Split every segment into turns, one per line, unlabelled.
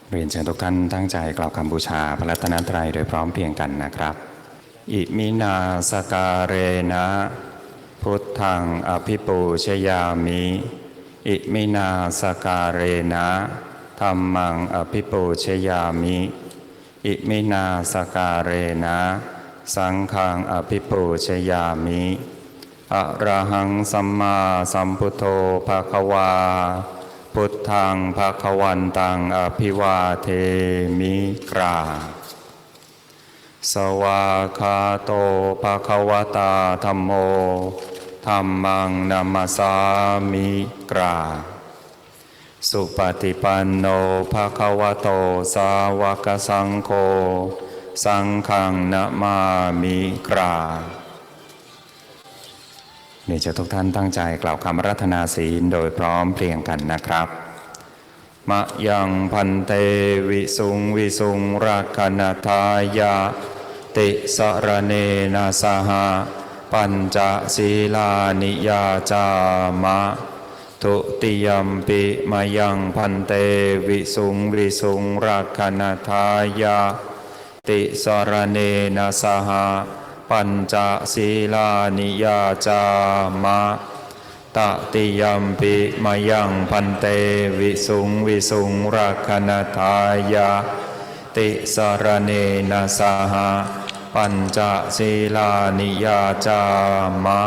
เรียนเชิญทุกท่านตั้งใจกล่าวคำบูชาพระรัตนตรัยโดยพร้อมเพรียงกันนะครับอิมินาสการเรนะพุทธังอภิปูชยามิอิมินาสการเรนะธัมมังอภิปูชยามิอิมินาสการเรนะสังฆังอภิปูชยามิอะระหังสัมมาสัมพุทโธภควาพุทธังภควันตังอภิวาเทมิกราสวาคาโตภควตาธัมโมธัมมังนัมมสามิกราสุปฏิปันโนภควโตสาวกสังโฆสังฆังนะมามิกราเดี๋ยวจะทุกท่านตั้งใจกล่าวคำอาราธนาศีลโดยพร้อมเพรียงกันนะครับมะยังพันเตวิสุงวิสุงรักขณทายาติสรเนนะสหปัญจศีลานิยาจามะทุติยัมปิมะยังพันเตวิสุงวิสุงรักขณทายาติสรเนนะสหปัญจศีลานิยาจามะตติยัมปิมะยังพันเตวิสุงวิสุงรักขณทายาติสรเนนะสหปัญจศีลานิยาจามะ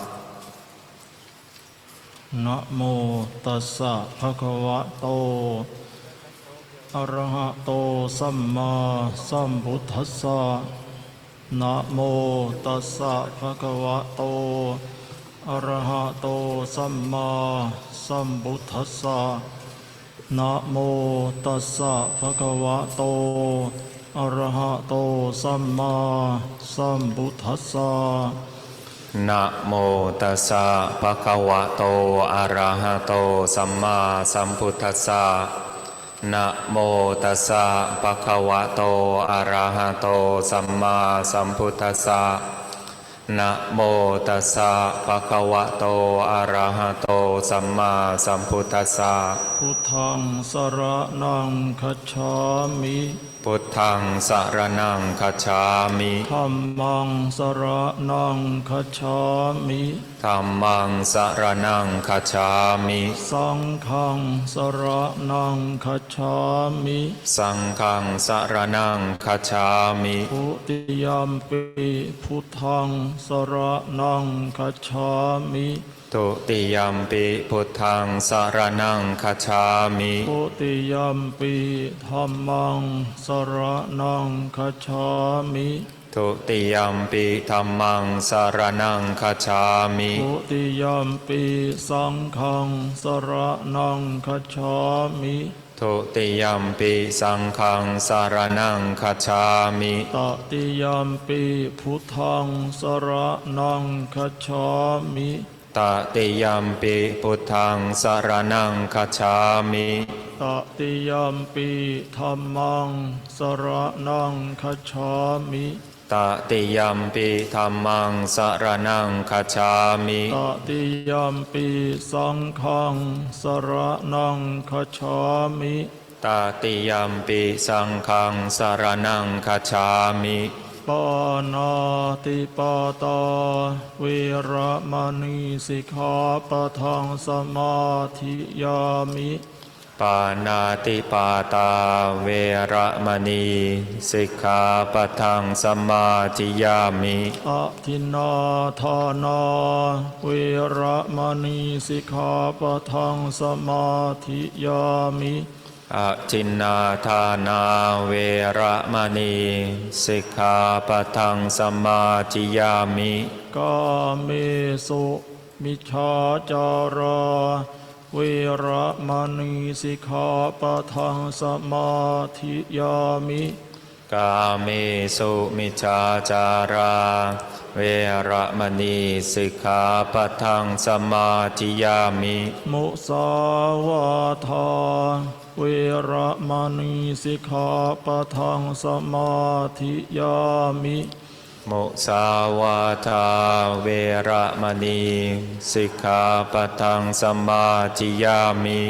นะโมตัสสะภะคะวะโตอะระหะโตสัมมาสัมพุทธัสสะนะโมตัสสะภะคะวะโตอะระหะโตสัมมาสัมพุทธัสสะนะโมตัสสะภะคะวะโตอะระหะโตสัมมาสัมพุทธัสสะ
นะโมตัสสะภะคะวะโตอะระหะโตสัมมาสัมพุทธัสสะนะโมตัสสะภะคะวะโตอะระหะโตสัมมาสัมพุทธัสสะนะโมตัสสะภะคะวะโตอะระหะโตสัมมาสัมพุทธัสสะ
พุทธังสรณังคัจฉามิ
พุทธังสรณังคัจฉามิ
ธัมมังสรณังคัจฉามิ
ธัมมังสรณังคัจฉามิ
สังฆังสรณังคัจฉามิ
สังฆังสรณังคัจฉามิ
ทุติยัมปิพุทธังสรณังคัจฉามิ
ทุติยัมปิพุทธังสรณังคัจฉามิ
ทุติยัมปิธัมมังสรณังคัจฉามิ
ทุติยัมปิธัมมังสรณังคัจฉามิ
ทุติยัมปิสังฆังสรณังคัจฉามิ
ทุติยัมปิสังฆังสรณังคัจฉามิ
ตติยัมปิพุทธังสรณังคัจฉามิ
ตติยัมปิพุทธังสรณังคัจฉามิ
ตติยัมปิธัมมังสรณังคัจฉามิ
ตติยัมปิธัมมังสรณังคัจฉามิ
ตติยัมปิสังฆังสรณังคัจฉามิ
ตติยัมปิสังฆังสรณังคัจฉามิ
ปานาติปาตาเวระมณีสิกขาปะทังสมาธิยามิ
ปานาติปาตาเวระมณีสิกขาปะทังสมาธิยามิ
อะทินนาทานาเวระมณีสิกขาปะทังสมาธิยามิ
อะทินนาทานาเวระมณีสิกขาปะทังสมาธิยามิ
กาเมสุมิจฉาจาราเวระมณีสิกขาปะทังสมาธิยามิ
กาเมสุมิจฉาจาราเวระมณีสิกขาปะทังสมาธิยามิ
มุสาวาทาเวระมณีสิกขาปะทังสมาธิยามิ
มุสาวาทาเวระมณีสิกขาปะทังสมาธิยามิ
ส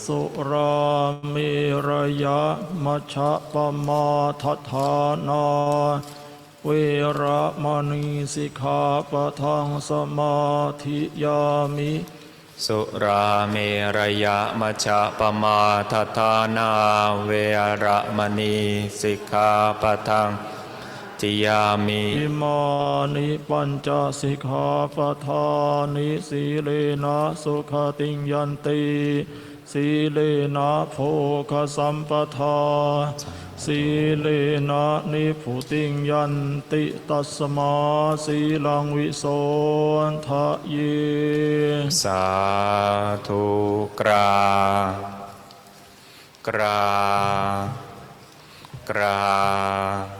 สุราเมรยะมัชฌะปมาทฐานาเวระมณีสิกขาปะทังสมาธิยามิ
สุราเมรยะมัชฌะปมาทฐานาเวระมณีสิกขาปะทังทิยามิ
อิมานิปัญจสิกขาปทานิสีเลนะสุขติงยันติสีเลนะโภคสัมปทาสีเลนะนิพุติงยันติตัสมาสีลังวิโสทะเย
สาธุกราบกราบกราบ